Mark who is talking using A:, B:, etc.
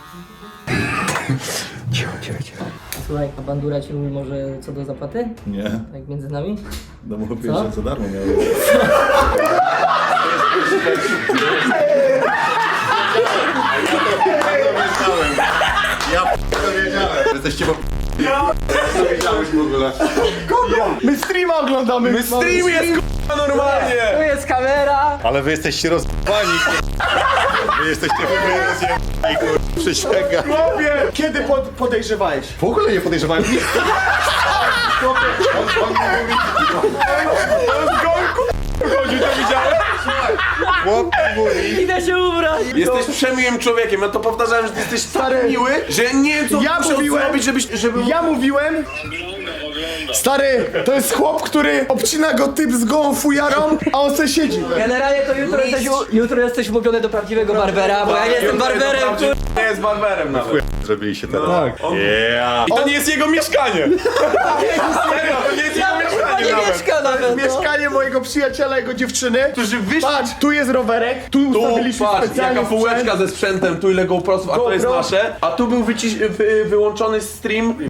A: Cicho.
B: Słuchaj, a bandura ci mówi może co do zapłaty?
A: Nie.
B: Tak między nami?
A: No bo pierwsze za darmo miałem. Ja to wiedziałem. Jesteście po... Co wiedziałeś w ogóle?
C: My streama oglądamy!
D: My stream jest k***a normalnie!
B: Tu jest kamera!
A: Ale wy jesteście rozbani. Wy jesteście rozjebani, kur... Przysięgam.
C: Kiedy podejrzewałeś?
A: W ogóle nie podejrzewałem nic. On mówi...
D: Chodził, to widziałeś?
A: Chłop mówi...
B: Idę się ubrać!
D: Jesteś przemiłym człowiekiem, ja to powtarzałem, że ty jesteś tak miły, że ja nie wiem co
C: Ja
D: muszę
C: mówiłem,
D: zrobić, żeby...
C: Ja mówiłem... Stary, to jest chłop, który obcina go typ z gołą fujarą, a on se siedzi.
B: Generalnie to jutro jesteś umówiony do prawdziwego barbera, bo ja nie jestem barberem, kur...
D: Nie jest barberem nawet.
A: Zrobiliście teraz.
C: Tak.
A: Yeah.
D: I to nie jest jego mieszkanie! Serio, to nie jest jego
B: Chyba
D: mieszkanie
B: nie
D: nawet!
B: mieszka nawet, no.
C: Mieszkanie mojego przyjaciela, jego dziewczyny.
D: Którzy wyszli...
C: Patrz, tu jest rowerek, tu
D: Tu,
C: ustawiliśmy
D: patrz,
C: specjalnie
D: jaka półeczka ze sprzętem, tu ile GoProsów, a to jest
C: GoPro.
D: nasze. A tu był wyłączony stream